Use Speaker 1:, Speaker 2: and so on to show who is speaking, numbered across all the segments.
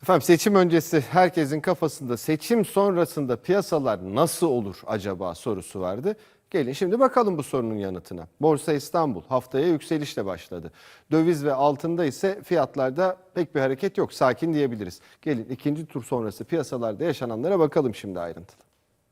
Speaker 1: Efendim seçim öncesi herkesin kafasında seçim sonrasında piyasalar nasıl olur acaba sorusu vardı. Gelin şimdi bakalım bu sorunun yanıtına. Borsa İstanbul haftaya yükselişle başladı. Döviz ve altında ise fiyatlarda pek bir hareket yok. Sakin diyebiliriz. Gelin ikinci tur sonrası piyasalarda yaşananlara bakalım şimdi ayrıntılı.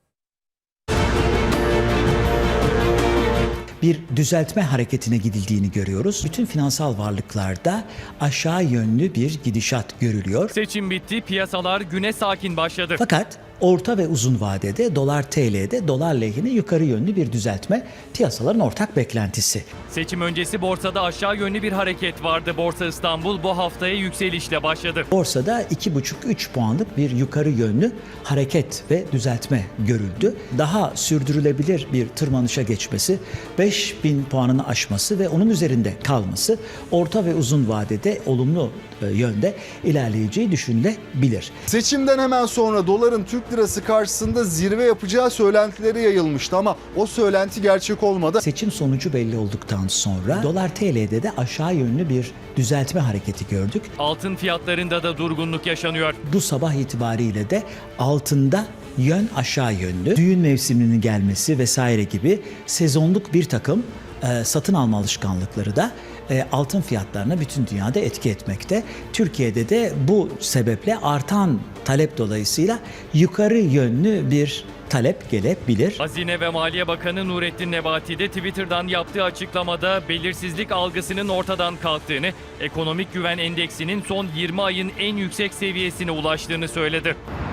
Speaker 2: Bir düzeltme hareketine gidildiğini görüyoruz. Bütün finansal varlıklarda aşağı yönlü bir gidişat görülüyor.
Speaker 3: Seçim bitti, piyasalar güne sakin başladı.
Speaker 2: Fakat orta ve uzun vadede dolar TL'de dolar lehine yukarı yönlü bir düzeltme piyasaların ortak beklentisi.
Speaker 3: Seçim öncesi borsada aşağı yönlü bir hareket vardı. Borsa İstanbul bu haftaya yükselişle başladı.
Speaker 2: Borsada 2,5-3 puanlık bir yukarı yönlü hareket ve düzeltme görüldü. Daha sürdürülebilir bir tırmanışa geçmesi, 5.000 puanını aşması ve onun üzerinde kalması orta ve uzun vadede olumlu yönde ilerleyeceği düşünülebilir.
Speaker 4: Seçimden hemen sonra doların Türk lirası karşısında zirve yapacağı söylentileri yayılmıştı ama o söylenti gerçek olmadı.
Speaker 2: Seçim sonucu belli olduktan sonra dolar TL'de de aşağı yönlü bir düzeltme hareketi gördük.
Speaker 3: Altın fiyatlarında da durgunluk yaşanıyor.
Speaker 2: Bu sabah itibariyle de altında yön aşağı yönlü. Düğün mevsiminin gelmesi vesaire gibi sezonluk bir takım satın alma alışkanlıkları da altın fiyatlarına bütün dünyada etki etmekte. Türkiye'de de bu sebeple artan talep dolayısıyla yukarı yönlü bir talep gelebilir.
Speaker 3: Hazine ve Maliye Bakanı Nurettin Nebati de Twitter'dan yaptığı açıklamada belirsizlik algısının ortadan kalktığını, ekonomik güven endeksinin son 20 ayın en yüksek seviyesine ulaştığını söyledi.